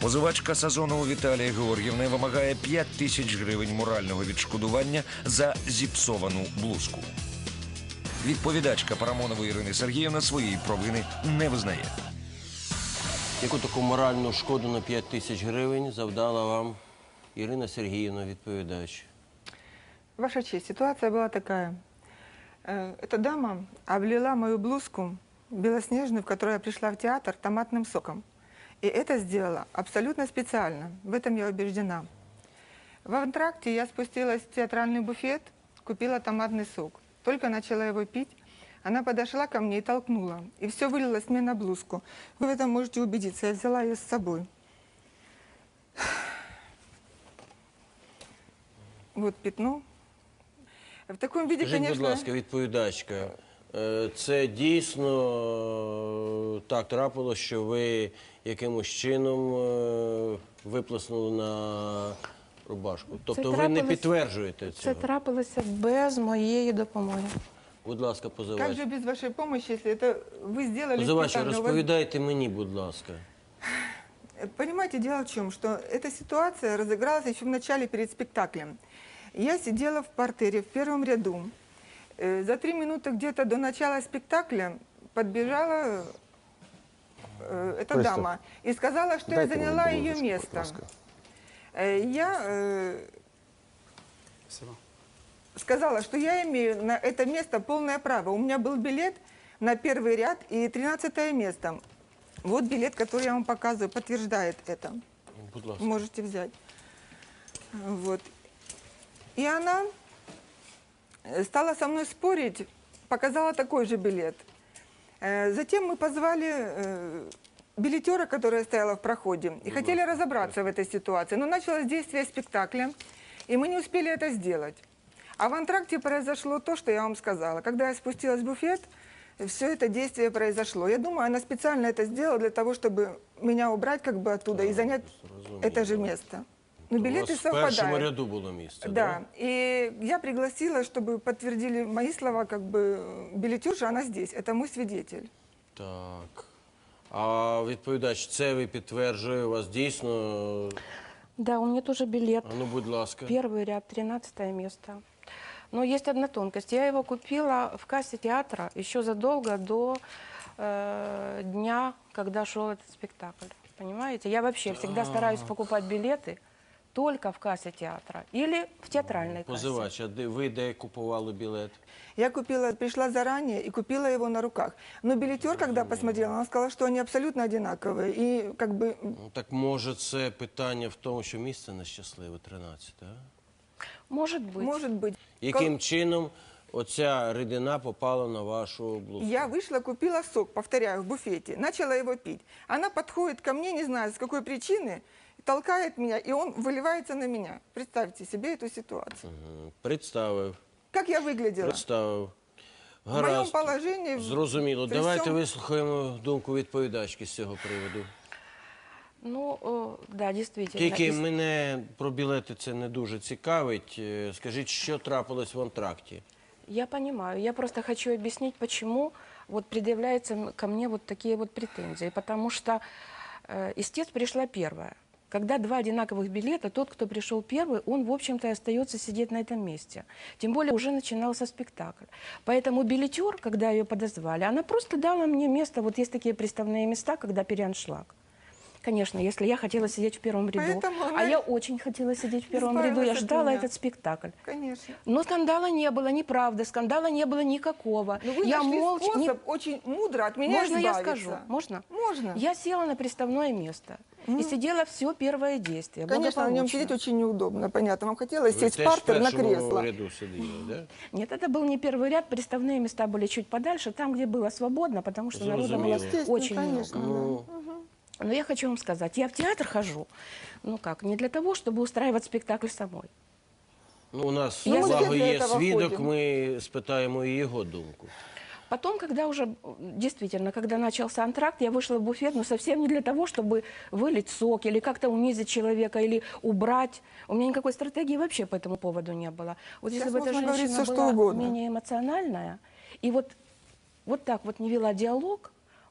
Позивачка Сазонова Віталія Георгіївна вимагає 5 тисяч гривень морального відшкодування за зіпсовану блузку. Відповідачка Парамонової Ірини Сергіївна своєї провини не визнає. Яку таку моральну шкоду на 5 тисяч гривень завдала вам Ирина Сергеевна, відповідач? Ваша честь, ситуация была такая. Эта дама облила мою блузку белоснежную, в которой я пришла в театр, томатным соком. И это сделала абсолютно специально. В этом я убеждена. В антракте я спустилась в театральный буфет, купила томатный сок. Только начала его пить, она подошла ко мне и толкнула. И все вылилось мне на блузку. Вы в этом можете убедиться. Я взяла ее с собой. Вот пятно. В такому віді, Скажіть, конечно... будь ласка, відповідачка, це дійсно так трапилось, що ви якимось чином виплеснули на рубашку? Тобто ви не підтверджуєте цього? Це трапилося без моєї допомоги. Будь ласка, позивач. Как же без вашей помощи, если это вы сделали... Позивач, специально? розповідайте мені, будь ласка. Понимаете, дело в чем, что эта ситуация разыгралась еще в начале перед спектаклем. Я сидела в партере в первом ряду. За 3 минуты где-то до начала спектакля подбежала эта дама и сказала, что я заняла ее место. Я сказала, что я имею на это место полное право. У меня был билет на 1-й ряд и 13-е место. Вот билет, который я вам показываю, подтверждает это. Будь ласка. Можете взять. Вот. И она стала со мной спорить, показала такой же билет. Затем мы позвали билетера, которая стояла в проходе, и хотели разобраться в этой ситуации. Но началось действие спектакля, и мы не успели это сделать. А в антракте произошло то, что я вам сказала. Когда я спустилась в буфет, все это действие произошло. Я думаю, она специально это сделала для того, чтобы меня убрать как бы оттуда и занять это же место. Но билеты совпадают. В першому ряду було місце, да? И я пригласила, чтобы подтвердили мои слова, как бы билетерша, она здесь, это мой свидетель. Так. А відповідач, це ви підтверджує, у вас дійсно... Да, у меня тоже билет. А ну, будь ласка. 1-й ряд, 13-е место. Но есть одна тонкость. Я его купила в кассе театра еще задолго до дня, когда шел этот спектакль. Понимаете? Я вообще всегда стараюсь покупать билеты только в кассе театра или в театральной кассе. Позивач, а ви де купували білет? Я купила, пришла заранее и купила его на руках. Но билетер, когда посмотрел, он сказал, что они абсолютно одинаковые. И как бы... Ну, так може це питання в тому, що місце нещасливе, 13, а? Может быть. Может быть. Яким чином оця рідина попала на вашу блузку? Я вышла, купила сок, повторяю, в буфете, начала его пить. Она подходит ко мне, не знаю, с какой причины, толкает меня, и он выливается на меня. Представьте себе эту ситуацию. Представив. Как я выглядела? Представив. В моем положении... Зрозуміло. при Давайте всем- вислухаємо думку відповідачки з цього приводу. Ну, да, действительно. Тільки мене про білети це не дуже цікавить. Скажіть, що трапилось в антракті? Я понимаю. Я просто хочу объяснить, почему вот предъявляются ко мне вот такие вот претензии. Потому что истец пришла первая. Когда 2 одинаковых билета, тот, кто пришел первый, он, в общем-то, и остается сидеть на этом месте. Тем более уже начинался спектакль. Поэтому билетер, когда ее подозвали, она просто дала мне место. Вот есть такие приставные места, когда переаншлаг. Конечно, если я хотела сидеть в 1-м ряду, а я очень хотела сидеть в 1-м ряду, я ждала этот спектакль. Конечно. Но скандала не было, неправда, скандала не было никакого. Но вы я нашли молча... способ очень мудро от меня Можно я избавиться. скажу? Можно? Можно. Я села на приставное место и сидела все первое действие. Конечно, на нем благополучно. сидеть очень неудобно, понятно. Вам хотелось Ви сесть в теж в партер на першому кресло. ряду сиділи, да? Нет, это был не 1-й ряд, приставные места были чуть подальше, там, где было свободно, потому что народа было Естественно, очень конечно, много. Но я хочу вам сказать, я в театр хожу, ну как, не для того, чтобы устраивать спектакль самой. Ну, у нас, Я благо, для є этого свідок, ходим. ми спитаємо і його думку. Потом, когда уже, действительно, когда начался антракт, я вышла в буфет, но совсем не для того, чтобы вылить сок или как-то унизить человека, или убрать. У меня никакой стратегии вообще по этому поводу не было. Вот Сейчас если бы эта можно говорить женщина всё, что была угодно. менее эмоциональная, и вот так вот не вела диалог,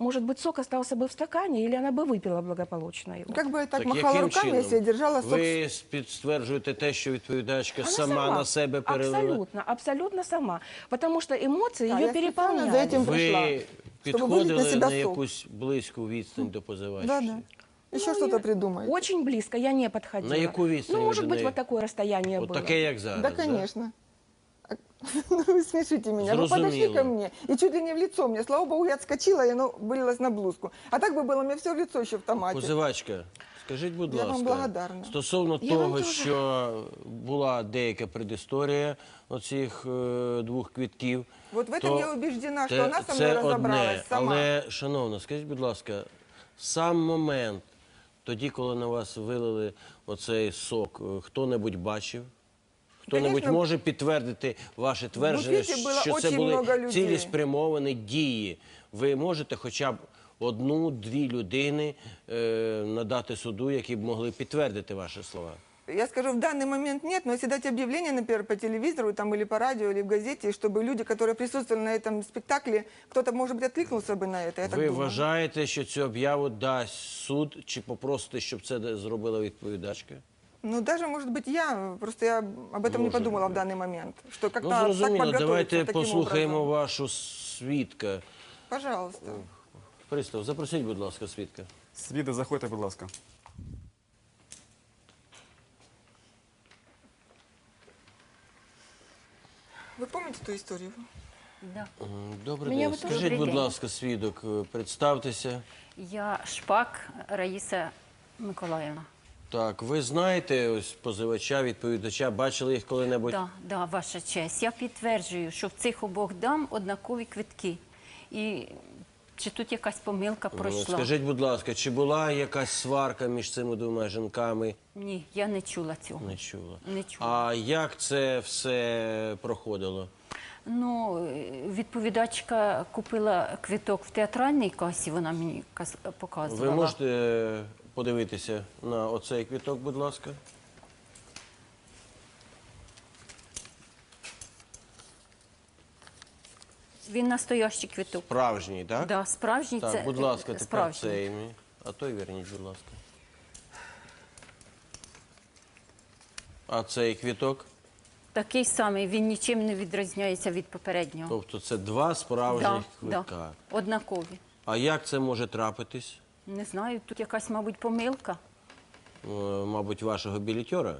может быть, сок остался бы в стакане, или она бы выпила благополучно его. Как бы я так Так махала яким руками, чином? если я держала сок. Ви підтверджуєте те, що відповідачка Она сама на себе перелила? Абсолютно, абсолютно сама. Потому что эмоции Да, ее я специально переполняли. за этим пришла, Ви чтобы вылить на підходили себя на сок. якусь близьку відстань до позивачки? Да, да. Еще Ну, что-то я придумаете. Очень близко, я не подходила. На яку відстань Ну, ви может до быть, неї? вот такое расстояние От было. таке, як зараз, Да, конечно. Ну, вы смешите меня. Вы подошли Зрозуміло. ко мне и чуть ли не в лицо мне. Слава богу, я отскочила, и оно вылилось на блузку. А так бы было у меня все в лицо еще в томате. Позивачка, скажіть, будь Я вам ласка, благодарна. стосовно Я вам того, дуже. що була деяка предісторія оцих двох квітків. Вот в этом то я убеждена, что те- она со це мной разобралась одне. сама. Але, шановна, скажіть, будь ласка, сам момент, тоді, коли на вас вилили оцей сок, хто-небудь бачив? Хто-небудь Конечно. може підтвердити ваше твердження, буфеті було що це очень много були людей. цілеспрямовані дії? Ви можете хоча б одну-дві людини надати суду, які б могли підтвердити ваші слова? Я скажу, в данный момент нет, но если дать объявление, например, по телевизору, там, или по радио, или в газете, чтобы люди, которые присутствовали на этом спектакле, кто-то, может быть, откликнулся бы на это, я так Ви думаю. вважаєте, що цю об'яву дасть суд, чи попросите, щоб це зробила відповідачка? Ну, даже, может быть, просто я об этом не Может подумала быть. в данный момент, что как-то Ну, так зрозуміло, подготовиться давайте таким послухаємо образом. вашу свідка. Пожалуйста. Пристав, запросіть, будь ласка, свідка. Свіди, заходьте, будь ласка. Вы помните ту историю? Да. Добрий Мене день. ви теж Скажіть, добрий будь день. ласка, свідок, представтеся. Я Шпак Раїса Миколаївна. Так, ви знаєте ось позивача, відповідача, бачили їх коли-небудь? Да, ваша честь. Я підтверджую, що в цих обох дам однакові квитки. І чи тут якась помилка Ну, пройшла? скажіть, будь ласка, чи була якась сварка між цими двома жінками? Ні, я не чула цього. Не чула. Не чула. А як це все проходило? Ну, відповідачка купила квиток в театральній касі, вона мені показувала. Ви можете подивитися на оцей квіток, будь ласка? Він настоящий квиток. Справжній, так? Да, справжній Так, це будь ласка, тепер справжній. цей мій. А той верніть, будь ласка. А цей квіток? Такий самий, він нічим не відрізняється від попереднього. Тобто це два справжніх квитка. Да, однакові. А як це може трапитись? Не знаю, тут якась, мабуть, помилка. Мабуть, вашого білетера?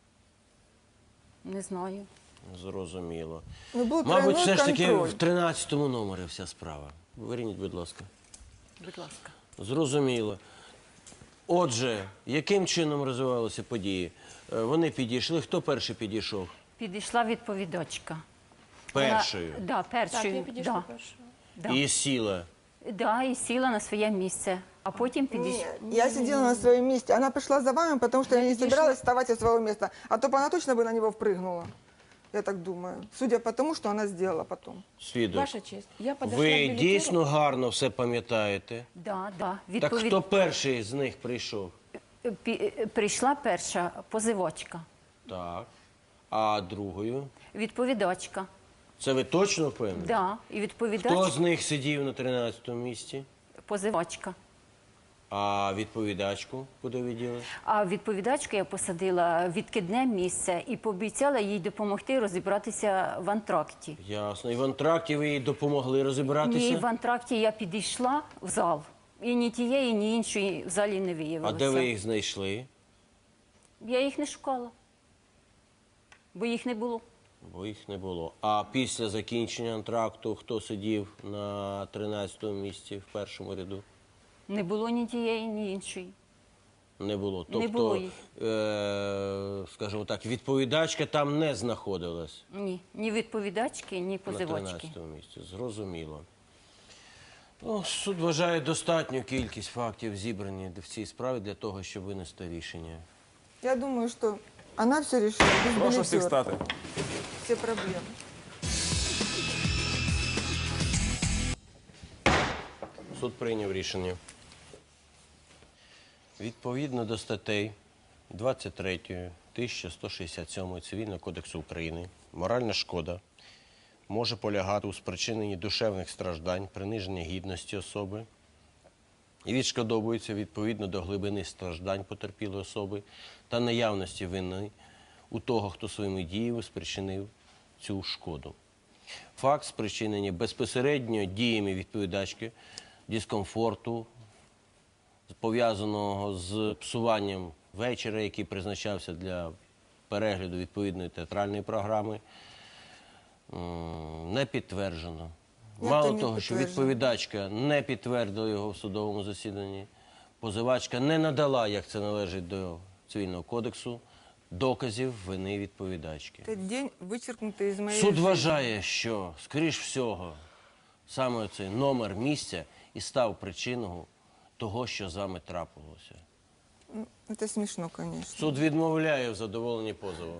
Не знаю. Зрозуміло. Ну, был Мабуть, тройной все ж таки контроль. в 13-му номері вся справа. Верніть, будь ласка. Будь ласка. Зрозуміло. Отже, яким чином розвивалися події? Вони підійшли. Хто перший підійшов? Підійшла відповідачка. Першою. Вона, да, Так, першою. я підійшла Да, першою. да. І сіла. Да, і сіла на своє місце. А потім підійшла. Я сидела на своем месте. Она пришла за вами, потому что я не собиралась вставать со своего места. А то бы она точно бы на него впрыгнула. Я так думаю. Судя по тому, что она сделала потом. Свідок. Ваша честь, я подошла к Ви билетеру. дійсно гарно все пам'ятаєте? Да, да. Так хто перший з них прийшов? Прийшла перша позивачка, Так. А другою? відповідачка. Це ви точно впевнені? Да, і Хто відповідач, з них сидів на 13-му місці? позивачка. А відповідачку куди відділи? А відповідачку я посадила в відкидне місце і пообіцяла їй допомогти розібратися в антракті. Ясно. І в антракті ви їй допомогли розібратися? Ні, в антракті я підійшла в зал. І ні тієї, ні іншої в залі не А виявилося. де ви їх знайшли? Я їх не шукала, бо їх не було. Бо їх не було. А після закінчення антракту хто сидів на 13-му місці в першому ряду? Не було ні тієї, ні іншої. Не було. Тобто, Не було їх. скажімо так, відповідачка там не знаходилась Ні, ні відповідачки, ні на позивачки. 13-му місці. Зрозуміло. Ну, суд вважає достатню кількість фактів зібрані в цій справі для того, щоб винести рішення. Я думаю, что она все решила. Без Прошу всіх билетера. стати. Все проблемы. Суд прийняв рішення. Відповідно до статей 23, 1167 Цивільного кодексу України, моральна шкода може полягати у спричиненні душевних страждань, приниження гідності особи, і відшкодовуються відповідно до глибини страждань потерпілої особи та наявності вини у того, хто своїми діями спричинив цю шкоду. Факт спричинення безпосередньо діями відповідачки дискомфорту, пов'язаного з псуванням вечора, який призначався для перегляду відповідної театральної програми, не підтверджено. Як Мало то не того, що підтверджено? відповідачка не підтвердила його в судовому засіданні, позивачка не надала, як це належить до Цивільного кодексу, доказів вини відповідачки. Этот день вычеркнутый из моей Суд жизни. вважає, що, скоріш всього, саме цей номер місця і став причиною того, що з вами трапилося. Это смешно, конечно. Суд відмовляє в задоволенні позову.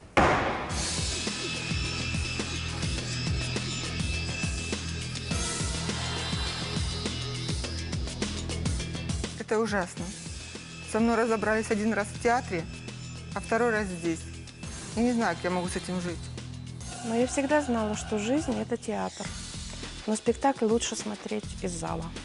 Это ужасно. Со мной разобрались один раз в театре, а второй раз здесь. Я не знаю, как я могу с этим жить. Но я всегда знала, что жизнь – это театр. Но спектакль лучше смотреть из зала.